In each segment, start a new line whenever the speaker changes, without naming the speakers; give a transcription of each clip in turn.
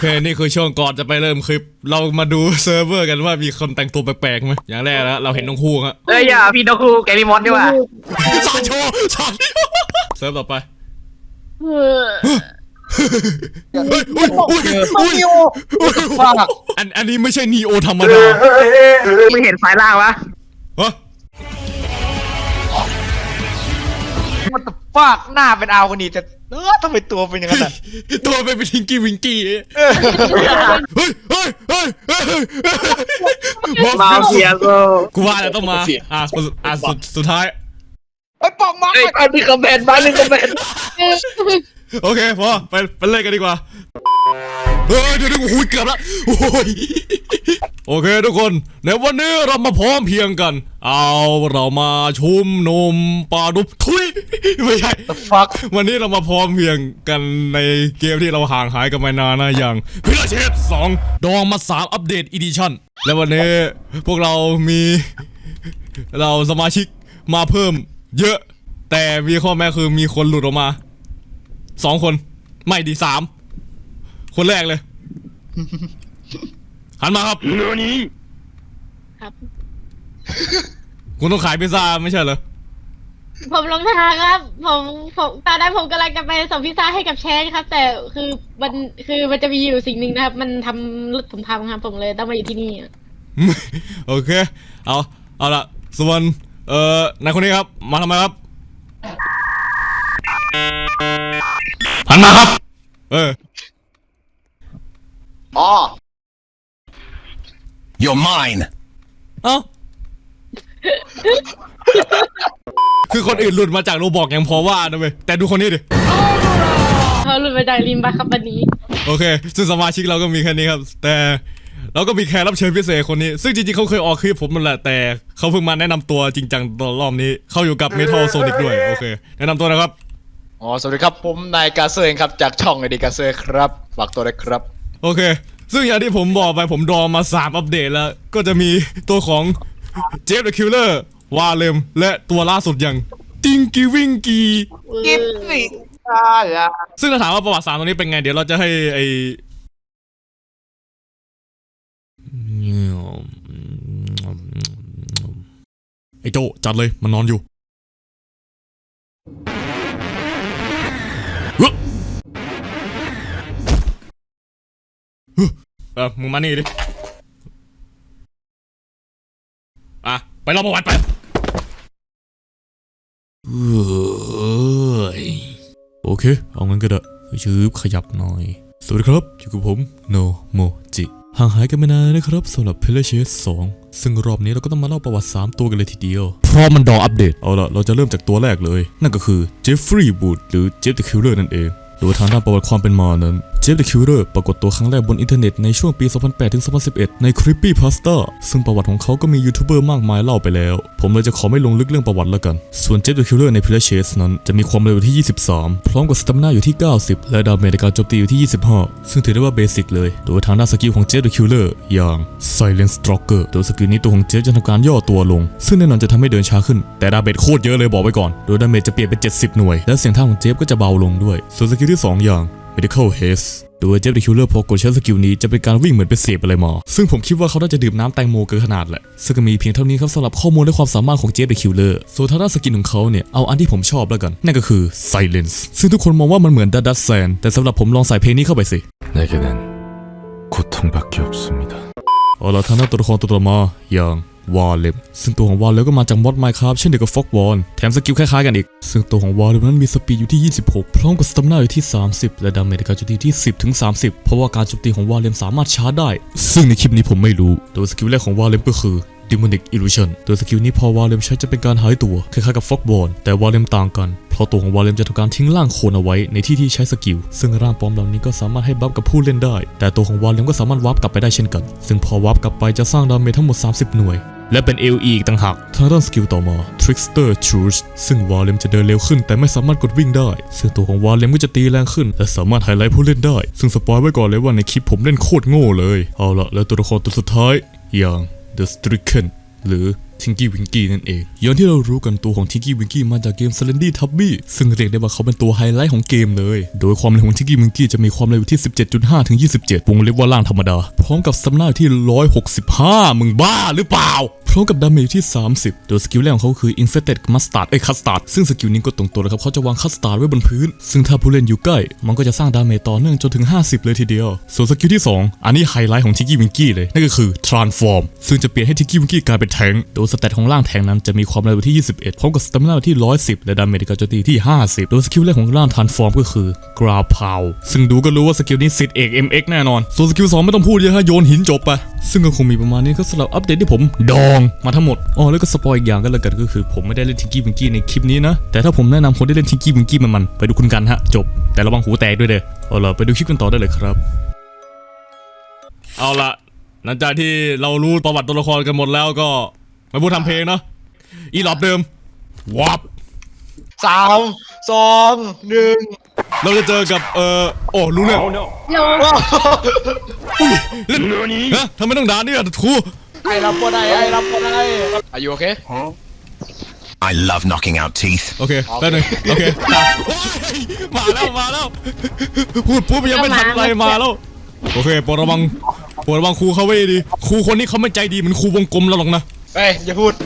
เคนี่คือช่วงก่อนจะไปเริ่มคลิปเรามาดูเซิร์ฟเวอร์กันว่ามีคนแต่งตัวแปลกๆไหมอย่างแรกแล้วเราเห็นน้องคู่ฮะ
อย่าพี่นกคูแกมีมดดีกว่า
สาโชสาเซิร์ฟต่อไปอันนี้ไม่ใช่นีโอธรรมดา
มึงเห็นสายล่างปะมันตะฟากหน้าเป็นอาวคนนี้จะทำไมตัวเป็นอย่างนั้น
ตัวเป็นทิงกี้วิงกี้
มาเฟีย
กูว่าแล้วต้องมาสุดท้าย
ไอ้ปองมาไอ้นี่คอมเมนต์มาหนึ่งคอมเมนต์
โอเคพอไปเล่นกันดีกว่าเดี๋ยวหูเกือบแล้วโอเคทุกคนในวันนี้เรามาพร้อมเพียงกันเรามาชุมนุมปาดุบทุยไม่ใช่ วันนี้เรามาพร้อมเพียงกันในเกมที่เราห่างหายกันมานานนะอย่างพิลาเชส2ดองมา3อัปเดตอีดิชั่นและวันนี้พวกเรามีสมาชิกมาเพิ่มเยอะแต่มีข้อแม้คือมีคนหลุดออกมา2 คนไม่ดี3 คนแรกเลยหันมาครับ
ครับ
คุณต้องขายพิซซ่าไม่ใช่เหรอ
ผมลงทางครับผมตอนนั้นผมกำลังจะไปส่งพิซซ่าให้กับแชนครับแต่คือมันจะมีอยู่สิ่งหนึ่งนะครับมันทำรถผมพังครับผมเลยต้องมาอยู่ที่นี่
โอเคเอาละส่วนนายคนนี้ครับมาทำไมครับหันมาครับ
อ๋อ
You're mine
คือคนอื่นหลุดมาจากโรบอกยังพอว่านะเว้ยแต่ดูคนนี้ดิ
เขาหลุดมาจากลิมบาครับวันนี้
โอเคซึ่งสมาชิกเราก็มีแค่นี้ครับแต่เราก็มีแขกรับเชิญพิเศษคนนี้ซึ่งจริงๆเขาเคยออกคลิปผมนั่นแหละแต่เขาเพิ่งมาแนะนำตัวจริงจังตอนรอบนี้เขาอยู่กับ Metal Sonic ด้วยโอเคแนะนำตัวนะครับ
สวัสดีครับผมนายกาเซอร์เองครับจากช่องไอดีกาเซอร์ครับฝากตัวด้วยครับ
โอเคซึ่งอย่างที่ผมบอกไปผมดองมา3อัปเดตแล้วก็จะมีตัวของเจฟเดอะคิลเลอร์วาเลมและตัวล่าสุดอย่างติงกี้วิงกี้
กิฟฟี่
ซึ่งถ้าถามว่าประวัติศาสตร์ตรงนี้เป็นไงเดี๋ยวเราจะให้ไอ้โจจัดเลยมันนอนอยู่มึงมานี่ดิไปรอประวัติไปโอเคเอางั้นก็ได้ชืบขยับหน่อยสวัสดีครับอยู่กับผมโนโมจิห่างหายกันไม่นานนะครับสำหรับ Pillagers 2ซึ่งรอบนี้เราก็ต้องมาเล่าประวัติ3ตัวกันเลยทีเดียวเพราะมันดออัปเดตเอาล่ะเราจะเริ่มจากตัวแรกเลยนั่นก็คือเจฟฟรีย์บูดหรือเจฟเดอะคิลเลอร์นั่นเองโดยทางด้านประวัติความเป็นมานั้นเจฟเดอะคิลเลอร์ปรากฏตัวครั้งแรกบนอินเทอร์เน็ตในช่วงปี 2008 ถึง 2011 ใน Creepypasta ซึ่งประวัติของเขาก็มียูทูบเบอร์มากมายเล่าไปแล้วผมเลยจะขอไม่ลงลึกเรื่องประวัติแล้วกันส่วนเจฟเดอะคิลเลอร์ใน Pillagers นั้นจะมีความเร็วที่ 23 พร้อมกับสตามิน่าอยู่ที่ 90 และดาเมจในการโจมตีอยู่ที่ 25 ซึ่งถือได้ว่าเบสิกเลยโดยทางด้านสกิลของเจฟเดอะคิลเลอร์อย่าง Silent Stalker โดยสกิลนี้ตัวของเจฟจะทำการย่อตัวลงซึ่งแน่นอนจะทำให้เดินช้าขึ้นแต่ดาเมจโคตรเยอะเลยบอกไว้ก่อนโดยดาเมจจะเปลี่ยนเป็น70 หน่วยและเสียงท่าของเจฟก็จะเบาลงด้วยส่วนสกิลที่2อย่างMedical Haste โดยเจฟเดอะคิลเลอร์พอกดใช้สกิลนี้จะเป็นการวิ่งเหมือนไปเสพอะไรมาซึ่งผมคิดว่าเขาน่าจะดื่มน้ำแตงโมเกินขนาดแหละซึ่งก็มีเพียงเท่านี้ครับสำหรับข้อมูลและความสามารถของเจฟเดอะคิลเลอร์ส่วนทางด้านสกินของเขาเนี่ยเอาอันที่ผมชอบแล้วกันนั่นก็คือ Silence ซึ่งทุกคนมองว่ามันเหมือนดัดแซนแต่สำหรับผมลองใส่เพลงนี้เข้าไปสิ
내게는고통밖에없습니다
เอาล่ะทางด้านตัวละครตัวต่อมาอย่างวาเลมซึ่งตัวของวาเลมก็มาจากมอดไมน์คราฟเช่นเดียวกับฟ็อกวอนแถมสกิลคล้ายๆกันอีกซึ่งตัวของวาเลมนั้นมีสปีดอยู่ที่ 26 พร้อมกับสตามิน่าอยู่ที่ 30 และดาเมจในการโจมตีที่ 10 ถึง 30 เพราะว่าการโจมตีของวาเลมสามารถชาร์จได้ซึ่งในคลิปนี้ผมไม่รู้โดยสกิลแรกของวาเลมก็คือ Demonic Illusion โดยสกิลนี้พอวาเลมใช้จะเป็นการหายตัวคล้ายๆกับฟ็อกวอนแต่วาเลมต่างกันเพราะตัวของวาเลมจะทำการทิ้งร่างโคลนเอาไว้ในที่ใช้สกิลซึ่งร่างปลอมเหล่านี้ก็สามารถให้บัฟกับผู้เล่นได้แต่ตัวของวาเลมก็สามารถวาร์ปกลับไปได้เช่นกันซึ่งพอวาร์ปกลับไปจะสร้างดาเมจทั้งหมด30 หน่วยและเป็น LE อีกต่างหากทางด้านสกิลต่อมา Trickster Truce ซึ่งวาเลมจะเดินเร็วขึ้นแต่ไม่สามารถกดวิ่งได้ซึ่งตัวของวาเลมก็จะตีแรงขึ้นและสามารถไฮไลท์ผู้เล่นได้ซึ่งสปอยไว้ก่อนเลยว่าในคลิปผมเล่นโคตรโง่เลยเอาละแล้วตัวละครตัวสุดท้ายอย่าง The Stricken หรือทิงกี้วิงกี้นั่นเองอย่างที่เรารู้กันตัวของทิงกี้วิงกี้มาจากเกม Slendy Tubby ซึ่งเรียกได้ว่าเขาเป็นตัวไฮไลท์ของเกมเลยโดยความเร็วของทิงกี้วิงกี้จะมีความเร็วที่ 17.5 ถึง 27 วงเล็บว่าล่างธรรมดาพร้อมกับสำนาที่ 165 มึงบ้าหรือเปล่าพร้อมกับดาเมจที่ 30 โดยสกิลแรกของเขาคือ Infected Mustard Custard ซึ่งสกิลนี้ก็ตรงตัวเลยครับเขาจะวางคัสตาร์ดไว้บนพื้นซึ่งถ้าผู้เล่นอยู่ใกล้มันก็จะสร้างดาเมจต่อเนื่องจนถึง 50 เลยทีเดียวส่วนสกิลที่ 2 อันนี้ไฮไลท์ของทิงกี้วิงกี้เลยนั่นก็คือ Transform ซึ่งจะเปลี่ยนให้ทิงกี้วิงกี้กลายเป็นแทงค์โดยสเตตของร่างแทงค์นั้นจะมีความเร็วที่ 21 พร้อมกับสเตมินาที่ 110 และดาเมจการโจมตีที่ 50 โดยสกิลแรกของร่าง Transform ก็คือ Ground Pound ซึ่งดูก็รู้ว่าสกิลนี้สิทธิ์เอก MX แน่นอนส่วนสกิล2ไม่ต้องพูดเยอะฮะโยนหินจบไปซึ่งก็คงมีประมาณนี้ก็สำหรับอัปเดตที่ผมดองมาทั้งหมดแล้วก็สปอยอีกอย่างก็แล้วกันก็คือผมไม่ได้เล่นทิงกี้วิงกี้ในคลิปนี้นะแต่ถ้าผมแนะนำคนที่เล่นทิงกี้วิงกี้มันไปดูคุณกันฮะจบแต่ระวังหูแตกด้วยเด้อเอาล่ะไปดูคลิปกันต่อได้เลยครับเอาล่ะหลังจากที่เรารู้ประวัติตัวละครกันหมดแล้วก็มาพูดทำเพลงเนาะอีหลอบเดิมวับ
3 2 1
เราจะเจอกับรู้เนี่ย
โล
เล่นฮะทำไมต้องด่าเนี่ยครู
ไอ้รับบ่ได้Are you okay
I love knocking out teeth.
โอเคแป๊บนึงโอเคโอ้ยมาแล้วพูดปุ๊บยังไม่ทันอะไรมาแล้วโอเคโปรดระวังครูเขาไว้ดีครูคนนี้เขาไม่ใจดีเหมือนครูวงกลมเราหรอกนะ
เฮ้ยอย่าพูด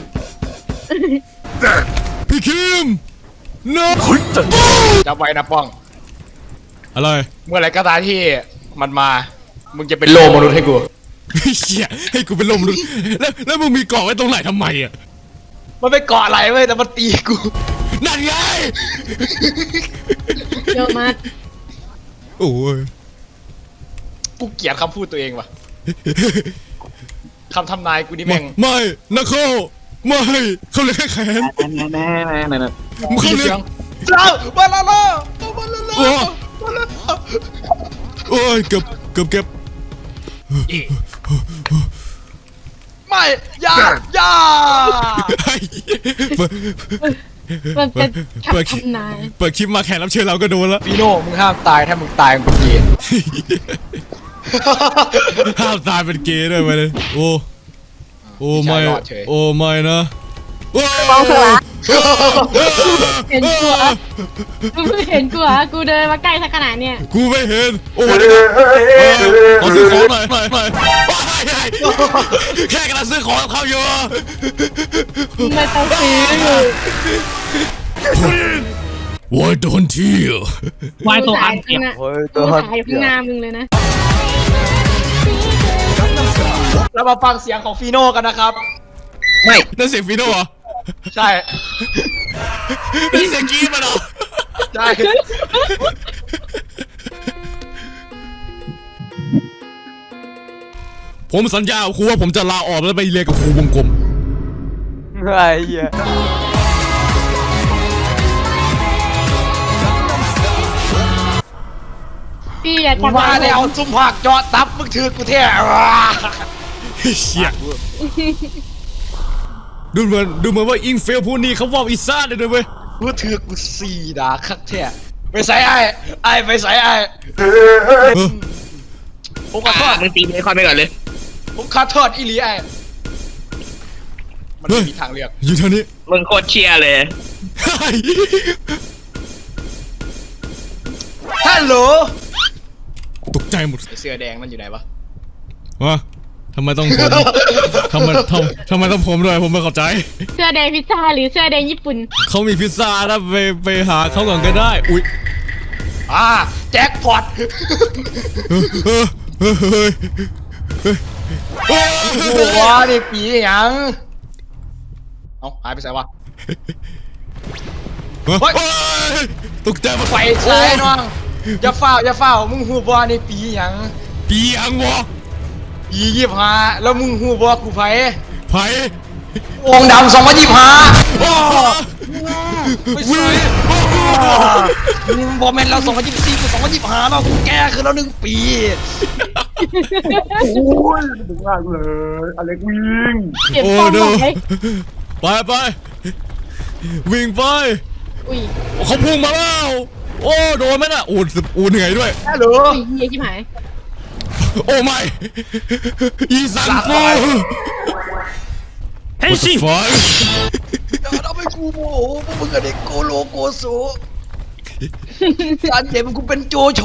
พี่คิมเนาะ
จำไว้นะป้อง
อะไร
เมื่อไหรก็ตามที่มันมามึงจะเป็นโลมนุษย์ให้กู
เชี่ยให้กูเป็นลมดูแล้วมึงมีเกาะไว้ตรงไหนทำไมอ่ะ
มันไม่เกาะอะไรเว้ยแต่มันตีกู
นั่นไง
โยมา
โอ้ย
กูเกลียดคำพูดตัวเองว่ะคำทำนายกูนี่แม่ง
ไม่นะเขาไม่เขาเลยแค่แขนมึงเขาเลย
เจ้ามาละล่ะ
โอ้ยเก็บ
ไม่อย่า
เฮ้ย
มันเป็นคำทำนาย
เปิดคลิปมาแขกรับเชิญเราก็โดนแล้ว
ฟีโน่มึงห้ามตายถ้ามึงตายมึงเป็นเกย์
ห้ามตายเป็นเกย์ด้วยไปเลยโอ้ไม่นะมองเถอะ
เห็นกูอ่ะกูเดินมาใกล้สักขนาดเนี่ย
กูไม่เห็นโอ้ขอซื้อของหน่อยแค่กำลังซื้อของกับเขาอยู่
ไม่ต้องซื้อ
Why don't you
วายตัวอันเก็บตัวถ่ายข้างหน้ามึงเลยนะ
เรามาฟังเสียงของฟีโน่กันนะครับ
นั่นเสียงฟีโน่เหรอ
ใช่
นั่นเสียงกรี๊ดมันเหรอ
ใช่
ผมสัญญากับครูว่าผมจะลาออกแล้วไปเรียนกับครูวงกลม
ไอ้เหี้ย
พี่อย่าจับ
มาแล้วซุ่มผักเจาะตับมึงถือกูแท้
เชี่ยดูเหมือนว่าอิงเฟลผู้นี้เขาว่าอีซ่าเลยด้วยเว้ย
กูถือกูสี่ดาคักแท้ไปใส่ไอ้ไปใส่ไอ้ผมขอโทษ
มึงตีเบคอนไปก่อนเลย
ผมขอโทษอีหลีไอ้มันไม่มีทางเลือก
อยู่เท่านี้
มึงโคตรเชียร์เลย
ฮัลโหล
ตกใจหมด
ไอเสื้อแดงนั่นอยู่ไหนวะ
วะทำไมต้องผมทำไมต้องผมด้วยผมไม่เข้าใจ
เสื้อแดงพิซซ่าหรือเสื้อแดงญี่ปุ่น
เขามีพิซซ่านะไปหาเขาก่อนก็ได้อุ้ย
แจ็คพอต หัวนี่ปีหยังเอ้าหายไปใส่วะ
ตกใจหมด
ไฟใช้น้องอย่าเฝ้ามึงหูบอนี่ปีหยัง
ปีอังวะ
ปี25แล้วมึงหูบอกูไผ
ไผ่
องค์ดำ2025ไม่ใช่บอแมนเรา2024กู2025แล้วกูแก้คือแล้ว1 ปี
เก็บฟองบอกเลย
ไปวิ่งไป
อุ้ย
เขาพุ่งมาแล้วโอ้โดนไหมน่ะโอ้เหนื่อยด้วย
ฮัลโหล
เฮียชิบหาย
โอ้ไม่อีสันฟู
เฮ้
What the fuck
อย่าทำให้กูโมโหพวกมึงกับเด็กโกโลโกโซการเจ็บมึงกูเป็นโจโฉ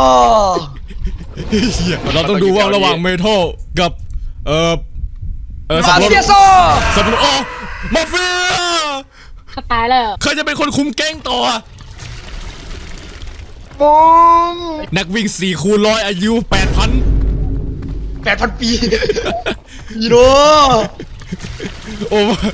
เหี้ยเราต้องดูว่าระหว่างเมทัลกับสับ
มา
ปะร
เฟีย
ด
โซ
สับปะรดอ๋อมาเฟีย
เขาตายแล้ว
ใครจะเป็นคนคุมแก๊งต่อ
มอง
นักวิ่ง4 คูณ 100อายุ 8,000
8,000 ปีอีโน
โอ้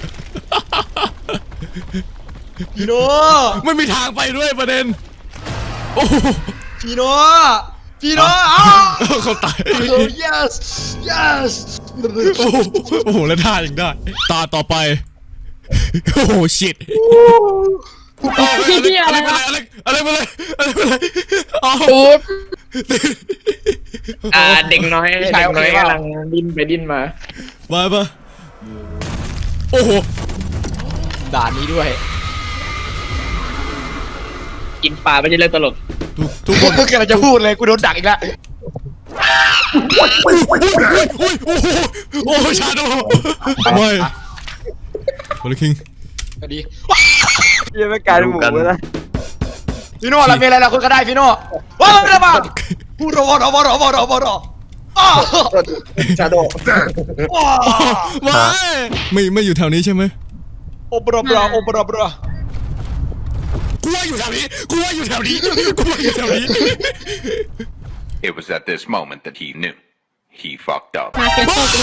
อีโน
ไม่มีทางไปด้วยประเด็นโอ้
พี่โนพี่โนอ้าว
เขาตาย
yes yes
โอ้โหแล้วท่ายังได้ ตาต่อไป โอ้โหชิตอะไรไปเลยอะไรไปเลยอ๋อ
เด็กน้อยกำลังดิ้นไปดิ้นมา
ไปโอ้โห
ด่านนี้ด้วย
กินปลาไม่ใช่เรื่องตลก
ทุกคน
กำลังจะพูดเลยกูโดนดักอีกแล้ว
อุ้ยโอ้โหชาโดไม่บอลคิง
สวัสดี
ยังไม่กลายเป็นหมูแล้ว
พี่โน่เราเป็นอะไรเราคุยกันได้พี่โน่ว้าวอะไรมาพูดรออ้าว
ชาโด
ว้าว
ไม่อยู่แถวนี้ใช่ไหม
โอบราบราโอบราบรา
กูว่าอยู่แถวนี้
It was at this moment that he knew. He fucked up.
มาเฟียโซ่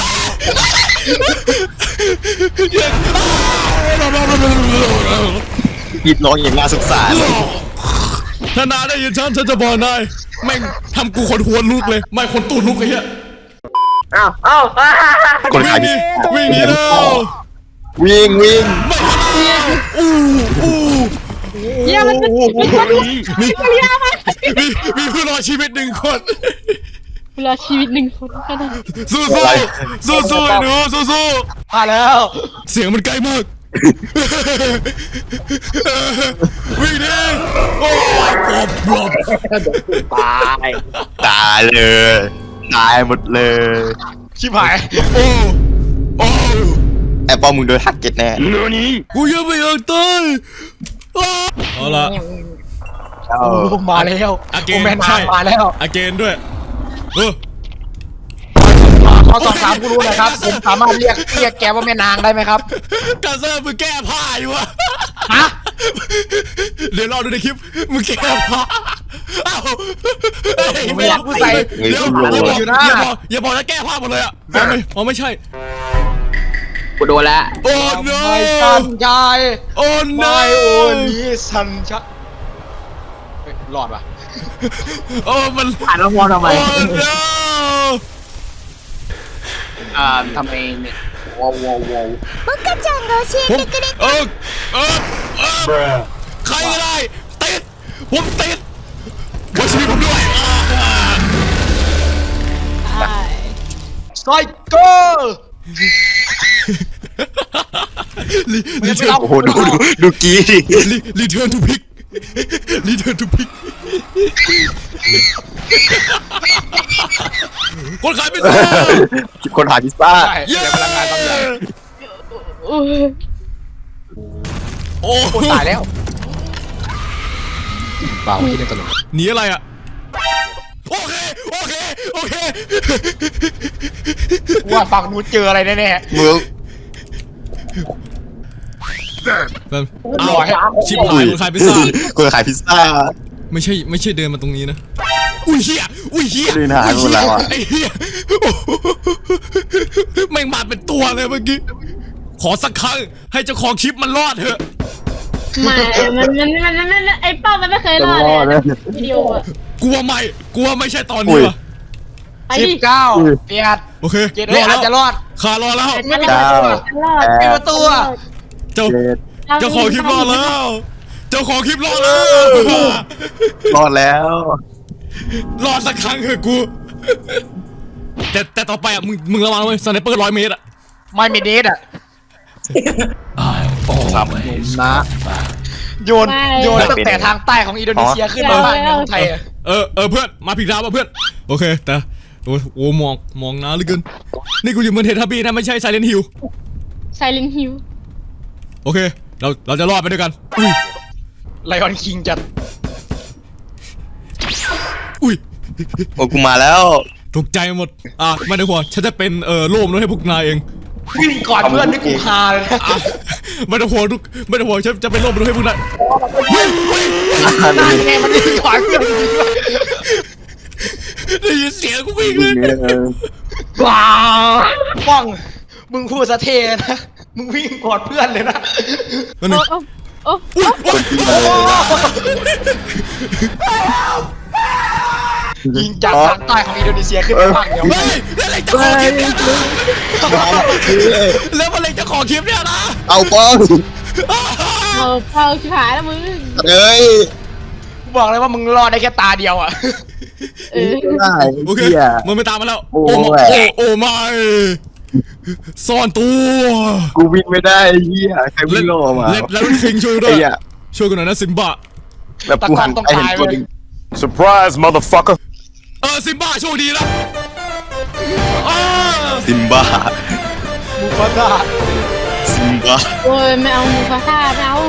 ยิดร้องอย่างน่าสงสาร
ถ้านายได้ยินฉันจะบอกนายแม่งทำกูขนหัวลุกเลย ไม่ขนตูดลุกไอ้เหี้ย
คนขายพิซ
วิ่งหนีแล้ว
วิ่ง
อู้
เยี่ยมัน
มีผู้รอดชีวิต1 คน
เวลาชีวิต1 คนก็ได้
สู้ไอ้หนูสู้
มาแล้ว
เสียงมันไกลมาก วิ่งดิโอ้ยปลอบ
ตาย
ตายเลย ตายหมดเลย
ชิบหาย
โอ้
ไอ้ป้อมมึงโดนทักเก็ตแน่
กูยังไม่อยากตายเอาละ
มาแล้ว
อาเก
โอนแมน
ใช่
มาแล้ว
อาเกนด้วยเออ
ขอสอบถามกูรู้หนะครับผมสามารถเรียกแกว่าแม่นางได้ไหมครับ
กาเซอร์มึงแก้ผ้าอยู่วะ
ฮะ
เดี๋ยวรอดูในคลิปมึงแก้ผ้าเอ้า
ไม่อยากพูดใส่
เดี๋ยวอย่าบอกนะแก้ผ้าหมดเลยอ่ะไม่ใช่
กูโดนแล้ว
โอ้ no
ไม่สันชาย
โอ้ no
ไม่โอ้นี้สันชายรอดปะ
โอ้มัน
อ่านแล้วมองทำไม
โอ้ no
ทำไมเนี่ยว้าว
ผมใครก็ได้ติดผมติดว่าชีวิตผมด้วย
ไซโก้
รีเทิร์น
โอ้โหดูกี้ดิ
รีเทิร์นทูพิกคนขายพิซซ่า
คนขายพิซซ่า
ใช่เดี๋ยวพลังงานบางอย่าง
โอ้
โอ้ตายแล้วเปล่าที่นี่ตลก
หนีอะไรอ่ะโอเค
ว่าฝั่งนู้นเจออะไรแน่
มึง
เอาชิบหายคนขายพิซซ่า
คนขายพิซซ่า
ไม่ใช่เดินมาตรงนี้นะอุ้ยเหี้ย
เดินหายหมดแล้วอะ
ไอ้เหี้ยโอ้โหแม่งมาเป็นตัวเลยเมื่อกี้ขอสักครั้งให้เจ้าของคลิปมันรอดเถอะ
ไม่มันไอ้เป้ามันไม่เคยรอดเลยวิดีโออะ
กลัวไม่ใช่ตอนนี้วะ
ไป
ๆ
ดิ
19เปียด
โอเค
เกตเลยอาจจะรอด
ขารอแล้ว
มันรอดมันรอด
ปิดประตูอะ
เจ้าของคลิปรอดแล้ว เจ้าของคลิปรอดแล้ว
รอดแล้ว
รอดสักครั้งเถอะกู แต่ต่อไปอ่ะมึงระวังนะเว้ยสไนเปอร์100 เมตรอ่ะ
ไม่มีเดทอะ
ครับ
นะโยนตั้งแต่ทางใต้ของอินโดนีเซียขึ้นมาบ้านเมืองไทยอะ
เพื่อนมาผิดทางป่ะเพื่อนโอเคแต่โอ้มองนะเหลือเกินนี่กูอยู่เมืองเททับบี้นะไม่ใช่ไซเลนฮิล
Silent Hill
โอเค เราจะรอดไปด้วยกัน
ไลออนคิงจัด
อุ้ย
โอ้กูมาแล้ว
ตกใจหมดไม่ต้องห่วงฉันจะเป็นโล่มรถให้พวกนายเอง
วิ่งก่อนเพื่อนนี่กูฮาเลยนะ
ไม่ต้องห่วงไม่ต้องห่วงฉันจะเป็นโล่มรถให้พวกนาย
นั่นไงมันวิ่งก่อนเพื่อนจริงๆด้วย
ได้ยินเสียงกูวิ่งเลย
ว้าป้องมึงพูดสะเทนะมึงวิ่งก่อนเพื่อนเลยนะ
นั่นนึง
โอ้
อุ้ยอุ้ย
ยิงจากทางใต้ของอินโดนีเซียขึ้นไปฝั่งเดียว
เฮ้ยแล้วอะไรจะขอคลิปเนี่ยแล้วอะไรจะขอคลิปเนี่ยนะ
เอาป้อง
เอาขายแล้วมึง
เอ้ย
กูบอกเลยว่ามึงรอดได้แค่ตาเดียวอ่ะ
เออ
ได้
โอเค
เหี้ย
มันไม่ตามมาแล้ว
โอ้
โอ้
ย
โอ้ไม่ซ่อนตัว
กูวิ่งไม่ได้ไอ้เหี้ยใครวิ่งโลมา
แล้วคิงช่วยด้ว
ไอ้
ย
เหี้ย
ช่วยกันหน่อยนะซิมบ้า
แบบกูหันไปเห็นตัวหนึง
Surprise, motherfucker.
ซิมบ้าโชคดีนะ
ซิมบ้า
มูฟาซ่า
ซิมบ้า
โอ้ยไม่เอามูฟาซ่าไม่เอา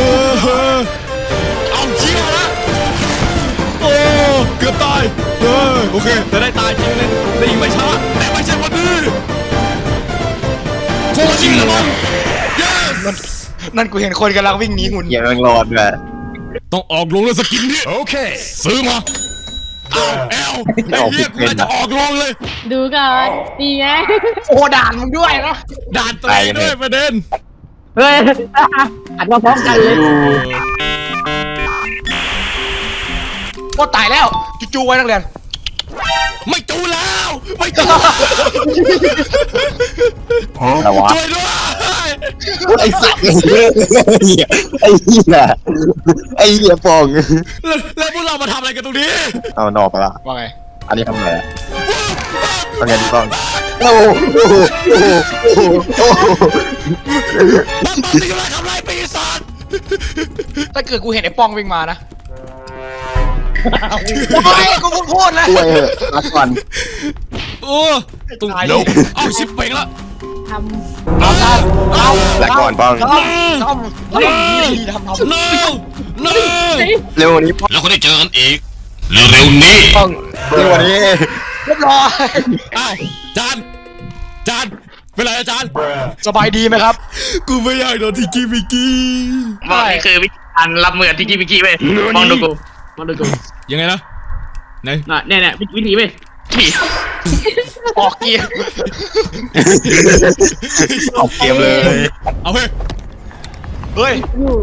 เอาเชี่ยละโอ้เกือบตายโอเคแต่ได้ตายจริงเลยได้ยิงไม่ช้าแต่ไม่ใช่วันนี้โคตรจริงเลยมั้ง yes
นั่นกูเห็นคนกำลังวิ่งหนีหุ่น
เหี้ยแม่งรอดด้วย
ต้องออกลงเลยสกินนี้
Okay.
ซื้อมาเอาแอลไอ้เหี้ยกูจะออกลงเลย
ดูก่อนดีไง
โอ้ด่านมึงด้วยนะ
ด่านตัวเองด้วยประเด็น
เฮ้ยอัดมาพร้อมกันเลย
โอ้ตายแล้วจู่ๆไว้นักเรียน
ไม่จูแล้วไม่จู
อะไรวะ
ช่วยด้วย
ไอ้สัตว์ไอ้เหี้ยไอ้เหี้ยปอง
แล้วพวกเรามาทำอะไรกันตรงนี้
เอานอกไปละ
ว่าไง
อันนี้ทำอะไรอะทำไงดีบ้างโอ้โหโอ้โห
บ้านสิกำลังทำลายปีศาจ
ถ้าเกิดกูเห็นไอ้ป้องวิ่งมานะไม่กูเพิ่งพูดแล้ว
ช่วยเหอะรักก่อน
โอ้ตรง
ตาย
เอาชิปเป่งละ
ท
เอาทำเอา
รักก่อนป้อง
ทำดีทำ
no no
เร็วกวันนี้ป้อง
แล้วก็ได้เจอกันอีกเร็วๆนี้
ป้องเร็วกวันนี้
เรียบร้อย
อ้าวจานเป็นไรอาจารย์
สบายดีไหมครับ
กูไม่อยากโดนทิกกี้มิกกี้
บอกนี่คือวิธีการรับมือกับทิกกี้มิกกี้เว้ยมองดูกูมองดูกู
ยังไงนะไหน
เนี่ยวิธีเว้ยนี่
ออกเกียร์
ออกเกมเลย
เอาเฮ้ย
เฮ้ย
ำอยู่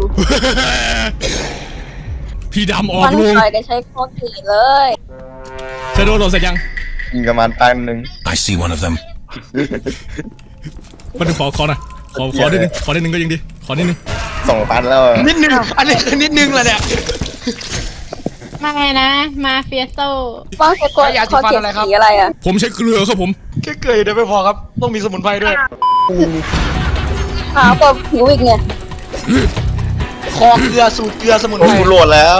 พี่ดำออก
มัน
ลง
ใครได้ใช้โคตรดีเลย
เธอโดนโดนเสร็จยัง
ยิงประมาณตันหนึ่ง
I see one of them.
มาดูขอหน่อยขอนิดนึงขอนิดนึงก็ยังดีขอนิดนึง
2,000แล้วอะ
นิดนึงอันนี้คือนิดนึงแหละเนี่ย
มาไงนะ มาเฟียโซ
ป้องใช้โคตร
ยาสี
คอ
ฟัน
เขียน
อะไรครับ
สีอะไรอ่ะ
ผมใช้เกลือครับผม
แค่เกยเดี๋ยวไม่พอครับ ต้องมีสมุนไพรด้วย
ขาวกว่าผิวอีกเนี่ย
คอเกลือสูตรเกลือสมุน
โอ้
ไพร
กูโหลดแล้ว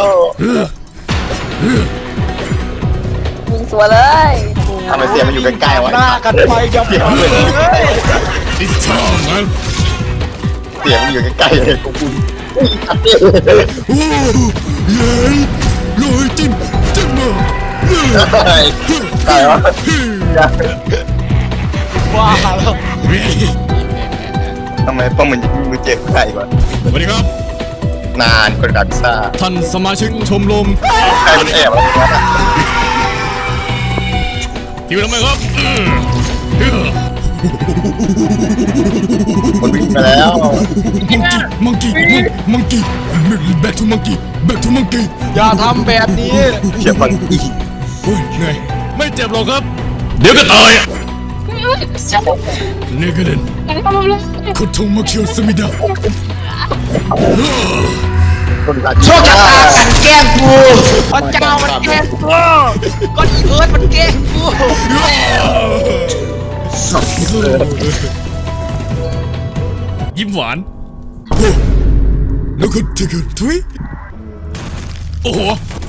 ยิงสวยเลย
ทำไมเสียงมันอยู่ใกล้ๆวะ
หน้ากันไปยับยับเลย
It's time man
เสียงมันอยู่ใกล้ๆเลยกู
โอ้เย้เลยจิ้มมาเย้
ตายวะ
ว้าแล้ว
ทำไมป้องมันมือเจ็บไก่วะ
สวัสดีครับ
นานคนกับพิซซ่า
ท่านสมาชิกชมรม
ใครมันแอบอะไรวะน่ะ
หิวทำไมครับ
มันวิ่งไปแล้ว
มังกี้ back to monkey
อย่าทำแบบนี้
เขียบมันอีก
โอ้ยเหนื่อยไม่เจ็บหรอกครับ เดี๋ยวก็ตายเนกเดน
ยังทำเลย
คุทงมาเคียวสมิดา
คนกับ
โชคชะตากันแกล้งกูพระเจ้ามันแกล้งกูก็อีเอิร์ธมันแกล้งกู
ยิ้มหวานแล้วก็เทกันทุยโอ้โห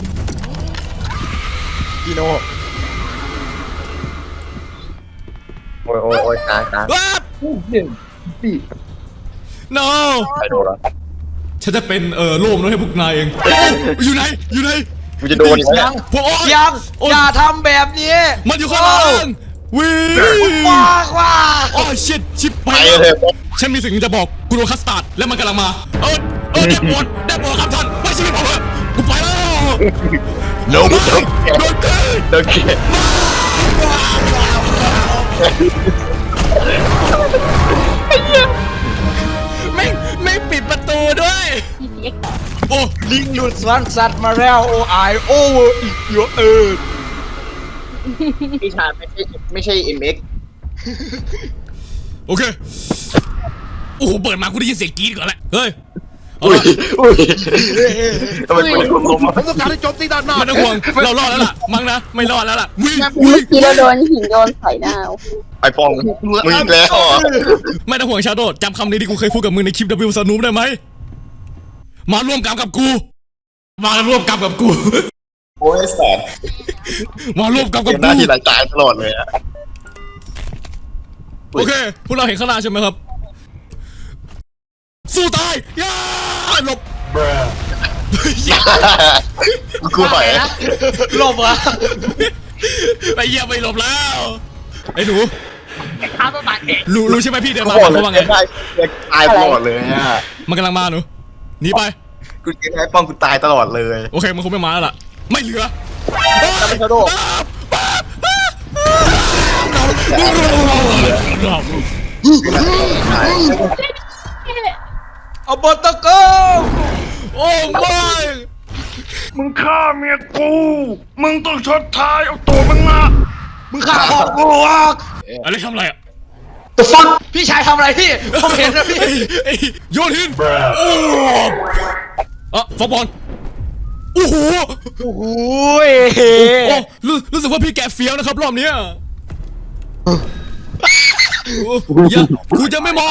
พี่โน
โอ้ยตาย
ว้าบ no
ใครโดนละ
ฉันจะเป็นโล่มน้อยให้พวกนายเองอยู่ไหนอยู่ไหน
กูจะโดนอีกแล้ว
พวก
ยัง
โอ๊ย
อย่าทำแบบนี้
มันอยู่ข้างหลังวิ่ง
ว้ากว่า
โอ้ชิบชิบไป
ไป
แล้ว
เลย
ฉันมีสิ่งหนึ่งจะบอกกูโดนคัสตาร์ดแล้วมันกำลังมาได้โปรดครับท่านไม่ชีวิตผมเถอะกูไปแล้ว
โดน
โดนเกิน
โดนเกลียด
ไม่ปิดประตูด้วย
PCX
โอ้
ลิงหลุดสวนสัตว์มาแล้วโอ้I over it your earth
พี่ชายไม่ใช่ MX
โอเคโอ้โหเปิดมากูได้ยินเสียงกรี๊ดก่อนแหละเฮ้ยเอา
อุ้ย
ละ
อุ้ยทำไมเป็นคนล้มอ่ะ
ผมต้องการให้โจมตีด้านหน้า
ไมันต้องห่วงเรารอดแล้วล่ะมั้งนะไม่รอดแล้วล่ะวิ่ง
เมื่อกี้เราโดนหินโยนใส่หน้า
ไอปองมึงอีกแล้วเหรอ
ไม่ต้องห่วงชาโดจำคำนี้ที่กูเคยพูดกับมึงในคลิป W สนุปได้ไหมมาร่วมกรรมกับกูมาร่วมกรรมกับกู
โอ้ยแสบ
มาร่วมกรรม
เก
กับ
มหน้า
กู
ที่หลังตายตลอดเลยอะ
โอเคพวกเราเห็นข้างหน้าใช่ไหมครับสู้ตายย่าหลบ
กูหอย
หลบเหรอ
ไอ้เหี้ยไม่หลบแล้วไอ้หนู
ข้าต้องตัดเอง
รู้ใช่ไหมพี่เดิน
กู
มา
บอก
เขา
เลย
ว่าไง
ได้ตายตลอดเลยอ่ะ
มันกำลังมาหนูหนีไป
กูเกมไอปองกูตายตลอดเลย
โอเคมันคงไม่มาแล้วล่ะไม่เหลือ
จะไม่ชาโด
เอาเบอร์ตะโก้
โอ้ไม่
มึงฆ่าเมียกู มึงต้องชดใช้เอาตัวมึงมา
มึงฆ่าพ่อกูอ่ะ
อะไรทำอะไรอ่ะ
The fuck พี่ชายทำอะไรพี่ผมเห็นนะพี่
ไอ้โยนหินโอ้ฟอกบอลโอ้โห
โอ้โห
โอ้รู้สึกว่าพี่แกเฟี้ยวนะครับรอบเนี้ยอย่ากูจะไม่มอง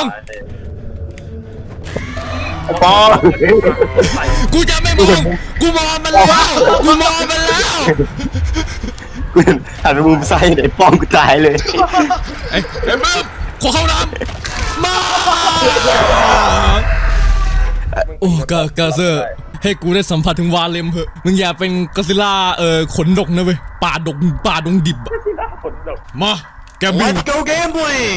ปอง
กูจะไม่มองกูมองมันแล้วกูมองมันแล้ว
กูหันไปมุมซ้ายไอ้ปองกูตายเลย
ไอ้เบิ้มขอเข้าน้ำมาโอ้กาเซอร์ให้กูได้สัมผัสถึงวาเลมเถอะมึงอย่าเป็นกอซิล่าขนดกนะเว้ยป่าดงดิบอะมาแกบิน
go gambling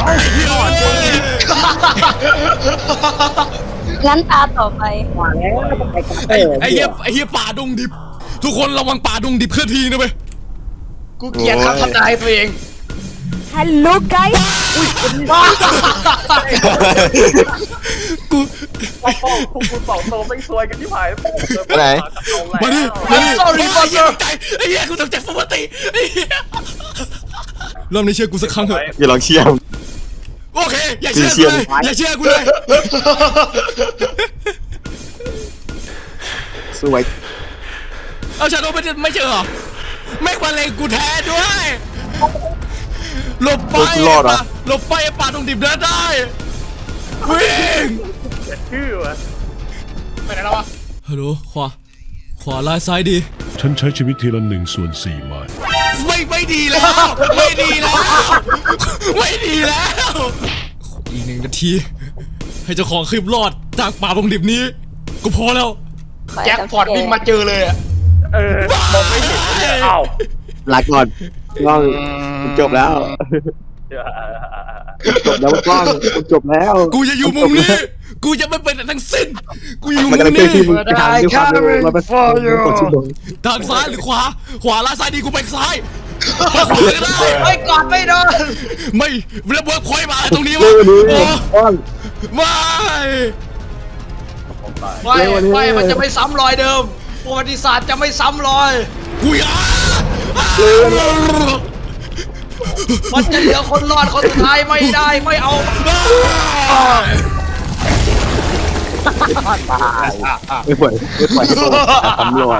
งั้นตาต่อไป
ไอ้เหี้ยป่าดงดิบ ทุกคนระวังป่าดงดิบเคลื่อนที่นะเว้ย
กูเกลียดคำทำนายตัวเอง
Hello guys
กู
ไปไหน
มาดิ
sorry
ไอ้เหี้ยตกใจไอ้เหี้ยกูตกใจปกติไอ้เหี้ยรอบนี้เชื่อกูสักครั้งเถอะ
อย่าลองเชียร์
โอเคอย่าเชื่อกูเลยอย่าเชื่อกูเลย
สวย
เอาชาโดไม่เจอเหรอไม่ควรเลงกูแท้ด้วยหลบไปหลบไปป่าดงดิบเดินได้วิ่ง
ไปไหนแล้ววะ
ฮัลโหลขวาลายซ้ายดี
ฉันใช้ชีวิตทีละ1/4 ไม้
ไม่ดีแล้วไม่ดีแล้วไม่ดีแล้วอีก1 นาทีให้เจ้าของคลิปรอดจากป่าดงดิบนี้ก็พอแล้ว
แจ็คพอตวิ่งมาเจอเลยอะ
ลาก่อนกล้องจบแล้วจบแล้วกล้องจบแล้ว
กูจะอยู่มุมนี้กูจะไม่เป็นทั้งสิ้นกูอยู่
มัน
มุ
กำลั
ม
งเคลื่
นี้
อนที่มึงทางด้วยความเร็ว100%ชั่วโมง
ทางซ้ายหรือขวาล่าซ้ายดีกูไปซ้ายไปขวาก็ได้
ไม่กอดไม่โดน
ไม่แล้วเวิร์กพอยต์มาอะไรตรงนี้
เร็
วะ
วนี้
โอ้
กล้อง
ไม่
ไม่มันจะไม่ซ้ำรอยเดิมประวัติศาสตร์จะไม่ซ้ำรอย
กูอยาก
มันจะเหลือคนรอดคนสุดท้ายไม่ได้ไม่เอา
ไม่ปล่อยตำรวจ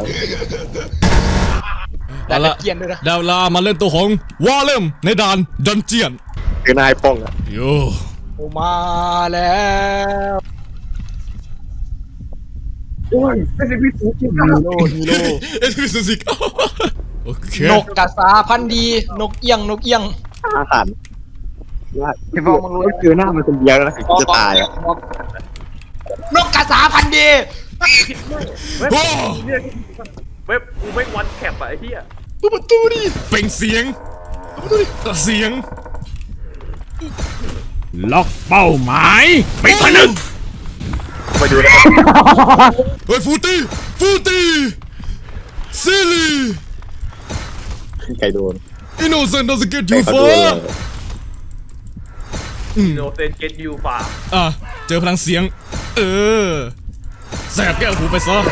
เอาละ
เกียนด้วยนะ
ดาวลามาเล่นตัวของวอลเลมในด่านดันเจียน
คือนายป้องอ่ะ
โย
โอมาแล้ว
โอ้ยไม่ใช่พี่ฟูจิฮีโร่ฮีโร่
เอสพิสิกโอเคน
กกระสาพันธุ์ดีนกเอี้ยง
อาหารพี่ฟองมึงรู้คือหน้ามันคนเดียวแล้วนะจะตายอ่ะ
นกกระสาพันธุ์ดี
โอ้
เว็บกูไม่วันแคปอะไอ้เหี้ย
ดูประตูดิ
เป็นเสียงเสียง
ล็อกเป้าหมายไปผนึก
ไปดูนะ
เฮ้ยฟูตี้ซิลลี่
ใครโดน
innocent doesn't get you
ใครโดน
far
โนเซนเกตยูฟา
อ่ะเจอพลังเสียงแสบแก้วหูไปซะ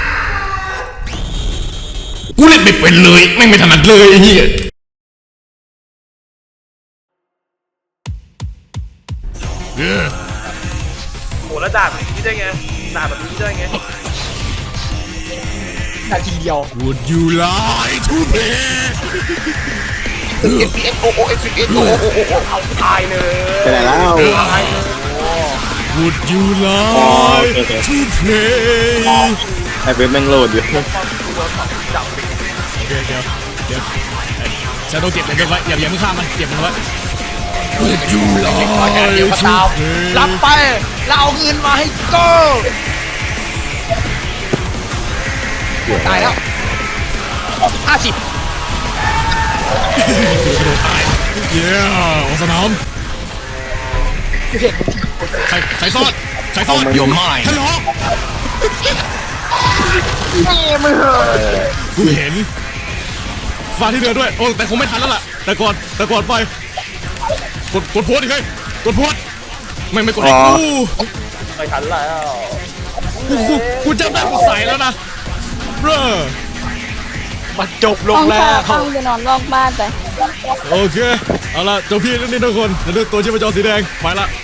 กูเล่นไม่เป็นเลยไม่ถนัดเลยไอ้เหี้ย
โหแล้วด่าแบบนี้ได้ไงด่าแบบนี้ได้ไง
นาทีเดียว
Would you like to play
FPS โอ้ FPS โอ้
ตายเลย
ไปไหนแล้ว
Would you like to play
ไอ้เว็บแม่งโหลดอยู่
โอเคเดี๋ยวชาโดเก็บมันไว้อย่ามึงฆ่ามันเก็บมันไว้ Would you
เดี๋ยว
like
มา
to
ตาม
play
รับไปแล้วเอาเงินมาให้โก้ตายแล้ว50
เย้ออกสนามใครซ่อนโยมไม่ฮัลโหลกูเห็นฟ้าที่เรือด้วยโอ้แต่คงไม่ทันแล้วล่ะแต่ก่อนไปกดโพสดิเฮ้ยกดโพสไม่กดไอ้กู
ไม่ทันแล้ว
กูจำได้กูใส่แล้วนะเบ้อ
มันจบล
ห้
ง
อง
แล้
ชาว ห้องจะนอนนอกบ้านไป
โอเคเอาละเจ้าพี่นี่ทุกคนเดี๋ยวดูตัวชีพจรสีแดงไปละ